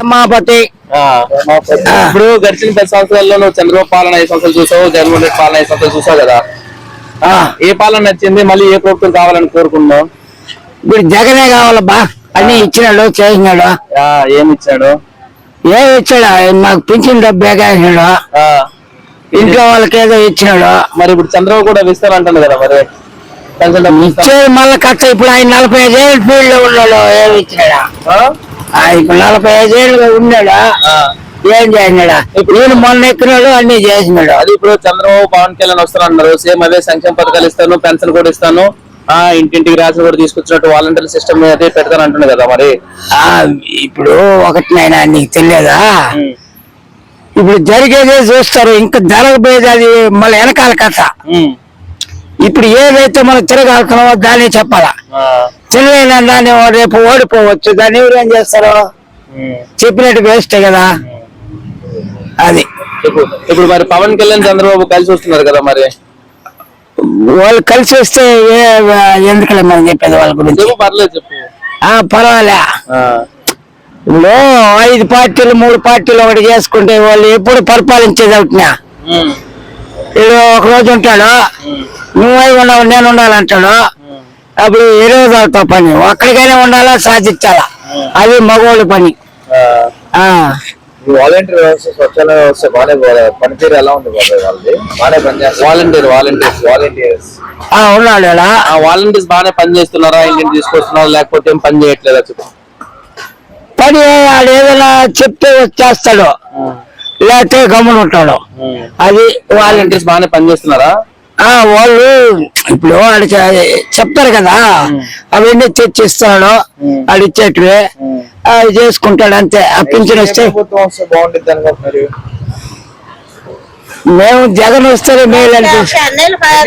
మాపతి ఇప్పుడు గడిచిన 10 సంవత్సరాల్లో నువ్వు చంద్రబాబు పాలన 5 సంవత్సరాలు చూసావు, జగన్మోహన్ రెడ్డి పాలన 5 సంవత్సరాలు చూసావు కదా. ఏ పాలన నచ్చింది, మళ్ళీ ఏ ప్రభుత్వం కావాలని కోరుకున్నావు? ఇప్పుడు జగనే కావాలబ్బా, అన్ని ఇచ్చినాడు చేసినాడు. ఏమి ఇచ్చాడు? ఏమి ఇచ్చాడు? మాకు పింఛన్ డబ్బు వేసినాడు, ఇంట్లో వాళ్ళకి ఏదో ఇచ్చినాడు. మరి ఇప్పుడు చంద్రబాబు కూడా ఇస్తానంటాడు కదా, మరి ఇచ్చేది మళ్ళీ ఖర్చు. ఇప్పుడు ఆయన 45 ఏళ్ళు ఫీల్డ్ లో ఉన్నాడు, ఏమి ఇచ్చినాడా? ఇప్పుడు 45 ఏళ్ళుగా ఉన్నాడా, ఏం చేసినాడా? నేను మొన్న ఎక్కినాడు, అన్ని చేసినాడు. అది ఇప్పుడు చంద్రబాబు పవన్ కళ్యాణ్ వస్తానన్నారు, సేమ్ అదే సంక్షేమ పథకాలు ఇస్తాను, పెన్షన్ కూడా ఇస్తాను, ఇంటింటికి రేషన్ కూడా తీసుకొచ్చినట్టు వాలంటీర్ సిస్టమ్ అదే పెడతాను అంటున్నాడు కదా. మరి ఇప్పుడు ఒకటి నాయన నీకు తెలియదా, ఇప్పుడు జరిగేదే చూస్తారు, ఇంకా జరగబోయేది అది మళ్ళీ వెనకాల కథ. ఇప్పుడు ఏదైతే మనం తిరగాల్తున్నామో దాన్ని చెప్పాలా, తెలియని దాన్ని రేపు ఓడిపోవచ్చు, దాన్ని ఎవరు ఏం చేస్తారు? చెప్పినట్టు వేస్తే కదా అది. ఇప్పుడు మరి పవన్ కళ్యాణ్ చంద్రబాబు కలిసి వస్తున్నారు కదా, మరి వాళ్ళు కలిసి వస్తే ఎందుకలే మనం చెప్పేది వాళ్ళ గురించి? పర్లేదు చెప్పు. పర్వాలే. ఇప్పుడు 5 పార్టీలు 3 పార్టీలు ఒకటి చేసుకుంటే వాళ్ళు ఎప్పుడు పరిపాలించేది అవుతున్నా. ఇప్పుడు ఒక రోజు ఉంటాడు, నువ్వై ఉన్నావు నేను ఉండాలంటాడు, అప్పుడు ఏ రోజు అవుతావు పని? ఒక్కడికైనా ఉండాలా, సాధించాలా, అది మగవాళ్ళ పని. వాలంటీర్ వ్యవస్థ, స్వచ్ఛంద వ్యవస్థ బాగానే పనితీరు ఎలా ఉంది? వాలంటీర్స్ ఉన్నాడు. వాలంటీర్స్ బాగానే పని చేస్తున్నారా? ఇంటిని తీసుకొస్తున్నారా, లేకపోతే ఏం పని చేయట్లేదా? పని వాడు ఏదైనా చెప్తే వచ్చేస్తాడు, లేకపోతే గమ్మున ఉంటాడు. అది వాలంటీర్స్ బాగానే పని చేస్తున్నారా? వాళ్ళు ఇప్పుడు వాడు చెప్తారు కదా, అవన్నీ తెచ్చిస్తాడు, వాడు ఇచ్చేటివి అవి చేసుకుంటాడు అంతే. ఆ పింఛన్ వస్తే మేము జగన్ వస్తే మేలు అనిపిస్తుంది.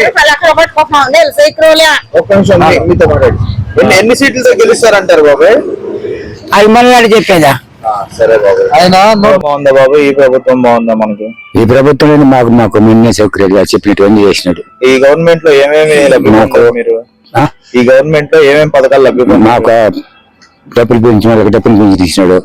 ఎన్ని సీట్లతో గెలుస్తారంటారు బాబాయ్? అది మనవాడు చెప్పేదా? సరే బాబు, ఆయన బాగుందా బాబు? ఈ ప్రభుత్వం బాగుందా మనకి? ఈ ప్రభుత్వం మాకు నిన్నే సౌకర్యాలు చెప్పినట్టు చేసినాడు. ఈ గవర్నమెంట్ లో ఏమేమి మీరు ఈ గవర్నమెంట్ లో ఏమేమి పథకాలు లభ్యమా? మాకు డబ్బులు పెంచిన వాళ్ళకి డబ్బులు పెంచి తీసినాడు.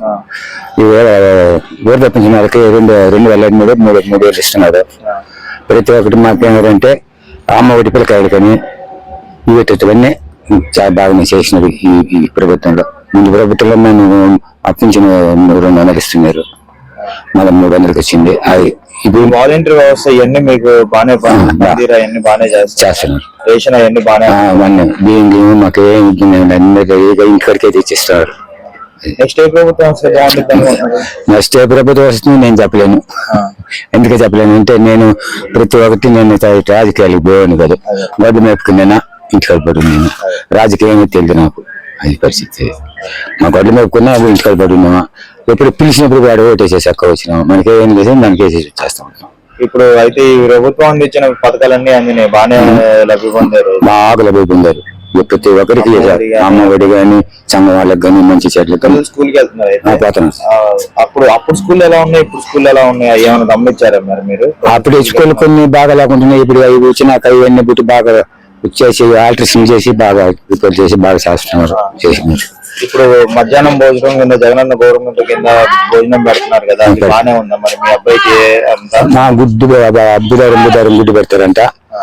ఊరు పెంచిన వాళ్ళకి 2003 3,000 ఇస్తున్నాడు. ప్రతి ఒక్కటి మాకేంటంటే అమ్మ ఒడి పిల్లకాయలు కానీ ఇవన్నీ చాలా బాగా చేసినాడు ఈ ప్రభుత్వంలో. ముందు ప్రభుత్వంలో మేము అప్పించిన 200 ఇస్తున్నారు, మళ్ళీ 300కి వచ్చింది. అది ఇప్పుడు వాలంటీర్ వ్యవస్థ ఇవన్నీ మీకు బాగానే చేస్తున్నారు. రేషన్ అవన్నీ బాగానే బియ్యం మాకు ఇంటికాడికే తెచ్చిస్తున్నారు. నెక్స్ట్ ఏ ప్రభుత్వం వస్తే బాగుంటుంది? నెక్స్ట్ ఏ ప్రభుత్వం వస్తుంది నేను చెప్పలేను. ఎందుకు చెప్పలేను అంటే నేను ప్రతి ఒక్కటి నేను రాజకీయాలకు పోయాను కదా, గడ్డు మేపుకున్నానా ఇంటికాడ పడి నేను రాజకీయంగా తెలియదు నాకు. అది పరిస్థితి. మా గడ్డు మేపుకున్నా ఇంటికాడ పడి ఉన్నామా, ఎప్పుడు పిలిచినప్పుడు వాడు ఓటేసేసి అక్క వచ్చినాము, మనకి ఏం చేసి దానికి వేసేసి వచ్చేస్తా ఉంటాం. ఇప్పుడు అయితే ఈ ప్రభుత్వం అందించిన పథకాలన్నీ అందినాయి, బాగానే లభ్య పొందారు, బాగా లభ్య పొందారు. ప్రతి ఒక్కరికి అమ్మ ఒడి గాని సంఘం వాళ్ళకి కానీ మంచి చెట్లకి స్కూల్కి వెళ్తున్నారు. అప్పుడు స్కూల్ ఎలా ఉన్నాయి, ఇప్పుడు స్కూల్ ఎలా ఉన్నాయి, ఏమైనా గమనించారా మరి మీరు? అప్పుడు స్కూల్ కొన్ని బాగా లేకుంటున్నాయి, ఇప్పుడు అవి వచ్చినాక ఇవన్నీ బుట్టి బాగా చేసి ఆల్ట్రేషన్ చేసి బాగా రిపేర్ చేసి బాగా చేస్తున్నారు చేసినారు. ఇప్పుడు మధ్యాహ్నం భోజనం కింద జగనన్న గవర్నమెంట్ కింద భోజనం పెడుతున్నారు కదా, బాగానే ఉందా? మరి మీ అబ్బాయికి బుధవారం గుడ్డు పెడతారంట,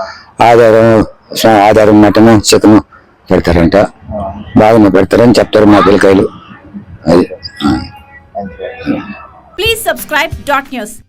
ఆధారం మటన్ చికెన్ పెడతారంట, బాగానే పెడతారని చెప్తారు మా పిల్లకాయలు. అది Please subscribe .news.